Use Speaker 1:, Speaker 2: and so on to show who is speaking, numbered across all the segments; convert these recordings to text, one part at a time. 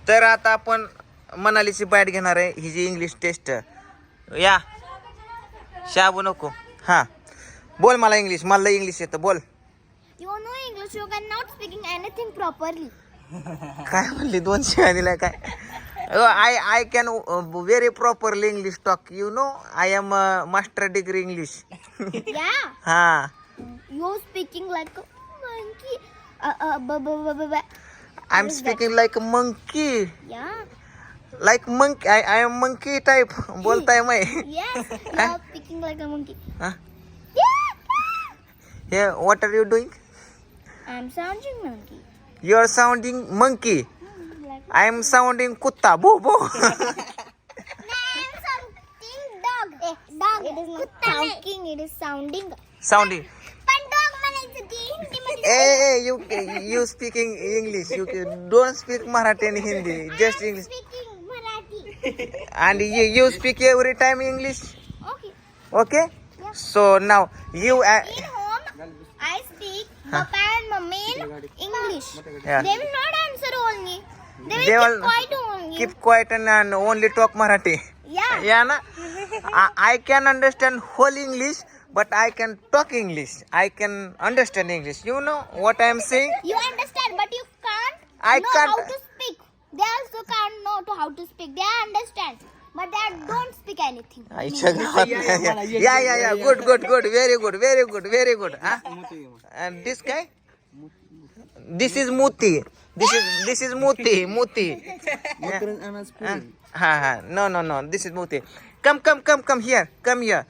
Speaker 1: तर आता आपण मनालीची बाईट घेणार आहे. ही जी इंग्लिश टेस्ट या शाबू नको. हां बोल मला इंग्लिश, मला इंग्लिश येतं बोल.
Speaker 2: You know English, you cannot speaking anything properly.
Speaker 1: काय म्हणली 200 दिलाय काय. I can very properly English talk. You know I am master degree English.
Speaker 2: Yeah.
Speaker 1: हां
Speaker 2: You speaking like a monkey.
Speaker 1: I'm speaking like a monkey.
Speaker 2: Yeah.
Speaker 1: Like monkey. I am monkey type. बोलताय मैं.
Speaker 2: Yes. You are speaking like a monkey.
Speaker 1: Huh?
Speaker 2: Yeah.
Speaker 1: Here, what are you doing?
Speaker 2: I'm sounding monkey.
Speaker 1: You are sounding monkey.
Speaker 2: Like
Speaker 1: I am sounding kutta. Bo bo.
Speaker 2: I am sounding dog. Dog. It is not talking. It is sounding.
Speaker 1: Sounding.
Speaker 2: पण dog म्हणायचं ती हिंदीमध्ये.
Speaker 1: You speaking English. You don't speak Marathi and Hindi. Just English.
Speaker 2: Speaking Marathi.
Speaker 1: And you speak every time English.
Speaker 2: Okay.
Speaker 1: Okay. So now you.
Speaker 2: In home, I speak Papa and Mummy in English.
Speaker 1: Yeah.
Speaker 2: They will not answer only. They will
Speaker 1: They
Speaker 2: keep
Speaker 1: will
Speaker 2: quiet only.
Speaker 1: Keep quiet and only talk Marathi.
Speaker 2: Yeah.
Speaker 1: Yeah, na. I can understand whole English, but I can talk English. I can understand English. You know what I am saying?
Speaker 2: You understand, but you can't
Speaker 1: I
Speaker 2: know
Speaker 1: can't-
Speaker 2: how to speak. They also can't know to how to speak. They understand, but they don't speak anything.
Speaker 1: आईच्या गावात. Yeah. Good. Very good. Huh? And this guy? This is Muti. This is Muti. Ha. No. This is Muti. Come here. Come here.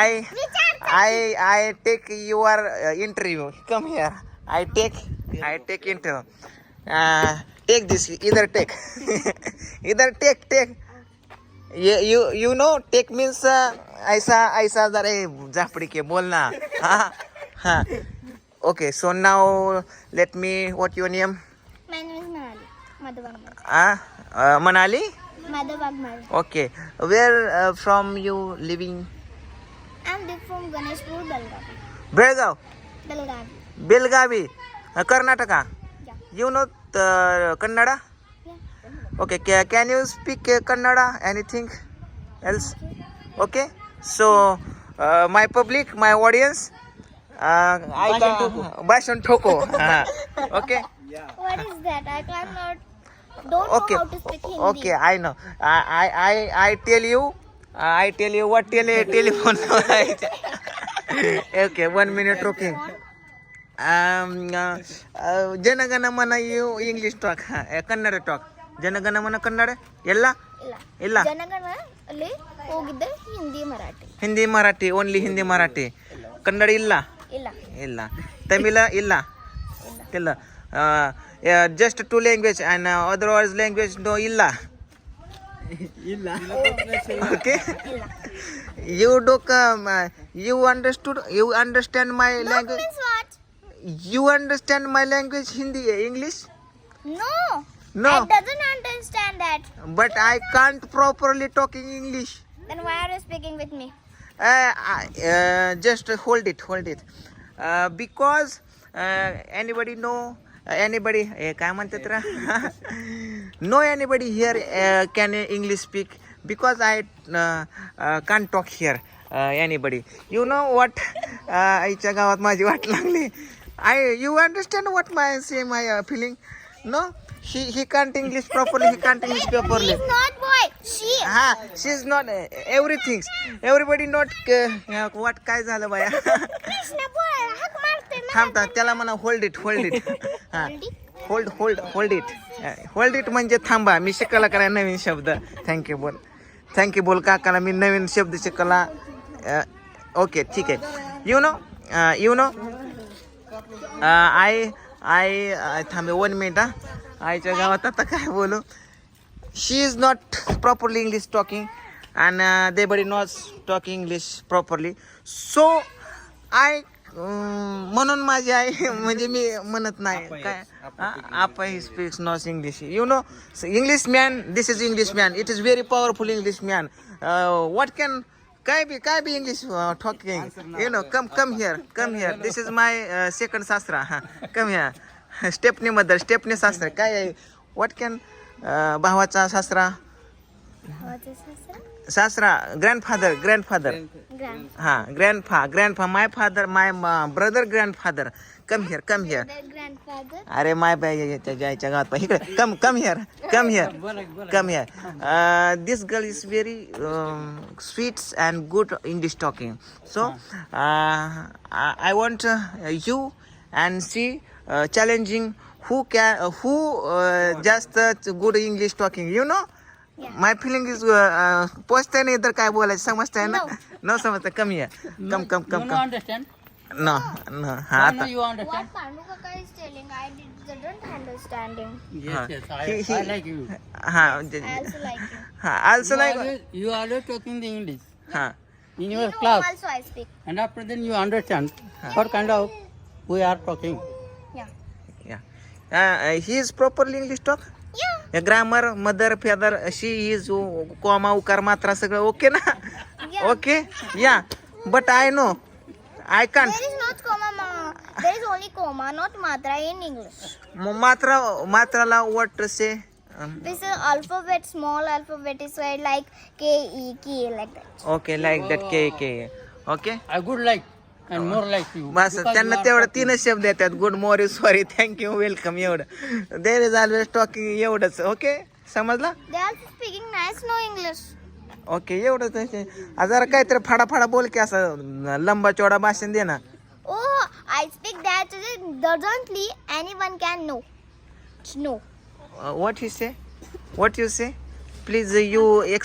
Speaker 1: I take your interview. Come here. I take interview. Take this. Either take. Take. You know take means ऐसा जरा झापडी के बोल ना. हा. Okay, so now let me. What your name?
Speaker 2: My name is Manali. Madhavagmari.
Speaker 1: Manali.
Speaker 2: Madhavagmari.
Speaker 1: Okay, where from you living?
Speaker 2: I'm from Ganeshpur, Belgavi.
Speaker 1: Belgav.
Speaker 2: Belgavi.
Speaker 1: Belgavi, Karnataka.
Speaker 2: Yeah.
Speaker 1: You know Kannada?
Speaker 2: Yeah.
Speaker 1: Okay, can you speak Kannada? Anything else? Okay. So my public, my audience, Bashon Thoko. Okay.
Speaker 2: What is that? I cannot. Don't
Speaker 1: Okay.
Speaker 2: know how to speak Hindi.
Speaker 1: Okay, I know. I tell you what telephone. Okay, 1 minute. Okay. Janagana mana you English talk, Kannada talk. Janagana mana Kannada? Ella?
Speaker 2: ಇಲ್ಲ
Speaker 1: Illa.
Speaker 2: ಜನಗಣ ಅಲ್ಲಿ ಹೋಗಿದ್ದೆ
Speaker 1: Hindi
Speaker 2: Hindi Marathi
Speaker 1: Marathi, only Hindi Marathi. Kannada illa?
Speaker 2: ಇಲ್ಲ
Speaker 1: Illa. Tamil illa? Illa. Just 2 language and otherwise language no illa. Okay.
Speaker 2: ಇಲ್ಲ
Speaker 1: You do you understand my
Speaker 2: Dog
Speaker 1: language?
Speaker 2: means what?
Speaker 1: You understand my language Hindi, English?
Speaker 2: No.
Speaker 1: No.
Speaker 2: I doesn't understand that.
Speaker 1: But I can't properly talking English.
Speaker 2: Then why are you speaking with me?
Speaker 1: Just hold it. Because anybody know anybody काय म्हणतात रा no anybody here can English speak because I can't talk here anybody. You know what? आईच्या गावात माझी वाट लागली. You understand what my feeling? No, he can't English properly. He can't English properly.
Speaker 2: He's not boy. She.
Speaker 1: She's not everything. Everybody not what काय झालं बाया.
Speaker 2: कृष्ण बोल हाक मारते ना.
Speaker 1: थांबता त्याला म्हणा होल्ड इट. हा होल्ड इट म्हणजे थांबा. मी शिकायला करा नवीन शब्द. थँक्यू बोल काकाला मी नवीन शब्द शिकायला. ओके ठीक आहे. यू नो आय थांबे 1 मिनिट. आईच्या गावात आता काय बोलू. She is not properly English talking and they buddy not talking English properly. So I म्हणून माझी आई म्हणजे मी म्हणत नाही काय आपा ही speaks not English. You know English man. This is English man. It is very powerful English man. What can काय be English talking. You know come here. This is my second सासरा. Come here. Stepney mother. Stepney सासरा काय आहे. What can भावाचा सासरा सासरा grandfather
Speaker 2: Grand.
Speaker 1: हा grandpa my father my brother grandfather come here
Speaker 2: The grandfather.
Speaker 1: अरे माय बाय त्याच्या आईच्या गावात इकडे come here this girl is very sweet and good English talking so I want you and see challenging who जास्त good English talking you know my feeling is पोचते नाही तर काय बोलायचं समजतंय ना न समजतं कमी आहे कम
Speaker 3: understand?
Speaker 1: न हा
Speaker 3: Why
Speaker 1: आता
Speaker 3: no you understand?
Speaker 2: What Panu Kaka is telling, I didn't understand him.
Speaker 3: Yes, yes.
Speaker 1: He-
Speaker 3: I like you.
Speaker 1: हा
Speaker 2: I also like him.
Speaker 1: हा also like
Speaker 3: You always talking the English
Speaker 1: हा
Speaker 3: in
Speaker 2: You
Speaker 3: your
Speaker 2: know,
Speaker 3: class,
Speaker 2: also I speak.
Speaker 3: and after then you understand what kind of we are talking.
Speaker 2: Yeah.
Speaker 1: he is properly English talk
Speaker 2: Yeah.
Speaker 1: Grammar mother father she is comma उकार मात्रा सगळं okay ना
Speaker 2: Yeah.
Speaker 1: Okay या but I know I can't
Speaker 2: There is not comma, mama. There is only comma, not matra in English.
Speaker 1: मात्राला what say
Speaker 2: This is alphabet, small alphabet is like K, E, K, like that.
Speaker 1: Okay like that K okay
Speaker 3: I good like and more like you.
Speaker 1: बस
Speaker 3: because
Speaker 1: त्यांना
Speaker 3: you are
Speaker 1: तेवढं
Speaker 3: talking.
Speaker 1: तीनच शब्द येतात good morning sorry thank you welcome एवढं there is always talking एवढंच okay समजला
Speaker 2: They are speaking nice, no English.
Speaker 1: Okay एवढंच जरा काहीतरी फाडा बोल की असं लंबा चौडा भाषण दे ना
Speaker 2: Oh, I speak that doesn't anyone can know. No.
Speaker 1: What you say please you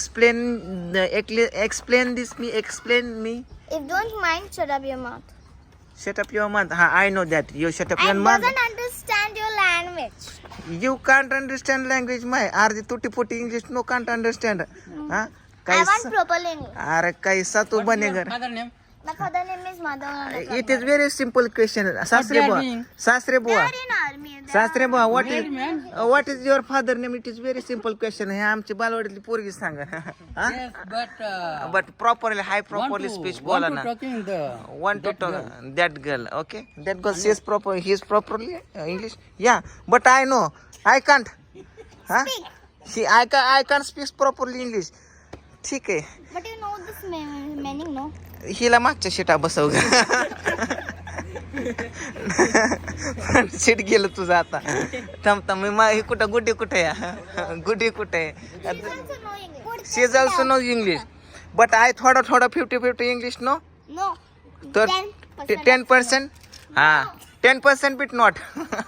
Speaker 1: explain me
Speaker 2: If don't mind, shut up your mouth.
Speaker 1: shut up your mouth ha I know that you shut up your
Speaker 2: And
Speaker 1: mouth
Speaker 2: doesn't understand your language.
Speaker 1: you can't understand language my अर्धी तुटी फुटी English no can't understand हा
Speaker 2: I want
Speaker 1: कैसा
Speaker 2: proper English.
Speaker 1: अरे कैसा तू
Speaker 3: What is your
Speaker 1: बनेगा
Speaker 3: father name?
Speaker 2: My father name is Madhav.
Speaker 1: It is very simple question सासरे
Speaker 3: they are
Speaker 1: बुवा
Speaker 3: doing?
Speaker 1: सासरे बुवा
Speaker 2: They are in army. They
Speaker 1: सासरे बुवा
Speaker 3: Married man?
Speaker 1: What is your father name it is very simple question हे आमची बालवाडीतली पोरगी सांगा
Speaker 3: Yes, but
Speaker 1: but properly hi properly speech बोला
Speaker 3: want
Speaker 1: ना
Speaker 3: to talking the
Speaker 1: want to
Speaker 3: that
Speaker 1: talk
Speaker 3: girl.
Speaker 1: that girl okay that girl says proper he is properly English yeah but I know I can't huh I can't speak properly English ठीक आहे
Speaker 2: But you know this meaning, no?
Speaker 1: हिला मागच्या शिटा बसव seat गेलं तुझं आता थांब मी हे कुठं गुड्डी कुठे गुड्डी कुठे
Speaker 2: She also know English.
Speaker 1: She is also know English but I थोडं 50-50 इंग्लिश नो
Speaker 2: No.
Speaker 1: तर 10% हा 10% बिट नॉट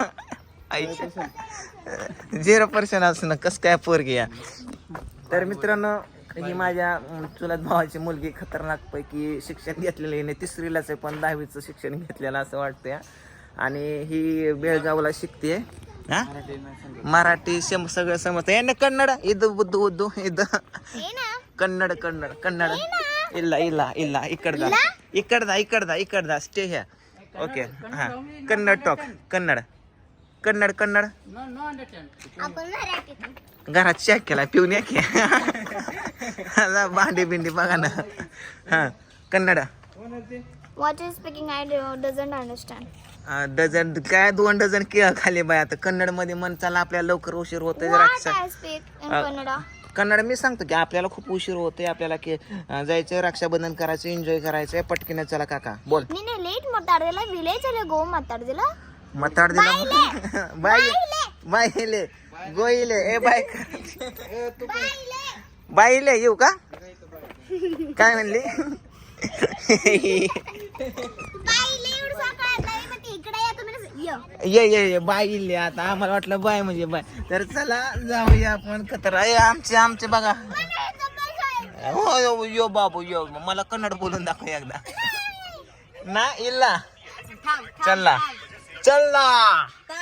Speaker 1: 0% असं ना कसं काय पोरगी या तर मित्रांनो ही माझ्या चुलत भावाची मुलगी खतरनाक पैकी शिक्षण घेतलेलं आहे 3रीलाच आहे पण 10वीचं शिक्षण घेतलेलं असं वाटतंय आणि ही बेळगावला शिकते हा मराठी सगळं समजतं यांना कन्नड उद्दू
Speaker 2: Hey na.
Speaker 1: कन्नड ಇಲ್ಲ इकडदा स्टे ह्या ओके हा Kannada talk Kannada
Speaker 3: No understand.
Speaker 2: आपण मराठीत.
Speaker 1: घरात चॅक केला पिऊन या की भांडी बिंडी बघा ना हा Kannada
Speaker 2: What is speaking, I doesn't understand.
Speaker 1: Dozen काय 2 डझन केळ खाली बाय आता कन्नड मध्ये मन चाला आपल्याला लवकर उशीर होतोय
Speaker 2: What I speak in Kannada?
Speaker 1: Kannada मी सांगतो की आपल्याला खूप उशीर होतोय आपल्याला की जायचं रक्षाबंधन करायचं एन्जॉय करायचंय पटकीने चला काका बोल
Speaker 2: ನೀನೆ ಲೇಟ್ ಮಾತಾಡ್ದಿಲ್ಲ ವಿಲೇಜ್ ಅಲ್ಲಿ ಗೋ ಮಾತಾಡ್ದಿಲ್ಲ
Speaker 1: ಮಾತಾಡ್ದಿಲ್ಲ ಬಾಯಿಲೆ ಗೋಯಿಲೆ ಏ ಬಾಯ್ बाईले येऊ का काय म्हणली
Speaker 2: ಬಾಯಿಲೆ ಇವ್ರು ಸಾಕಾಯ್ತು ಮತ್ತೆ ಈ ಕಡೆ ಯಾಕೆ
Speaker 1: ये बाईले आता आम्हाला वाटलं बाय म्हणजे बाय तर चला जाऊया आपण कतरा आमचे बघा हो यो बाबू यो मला कन्नड बोलून दाखव एकदा ना इल्ला चल्ला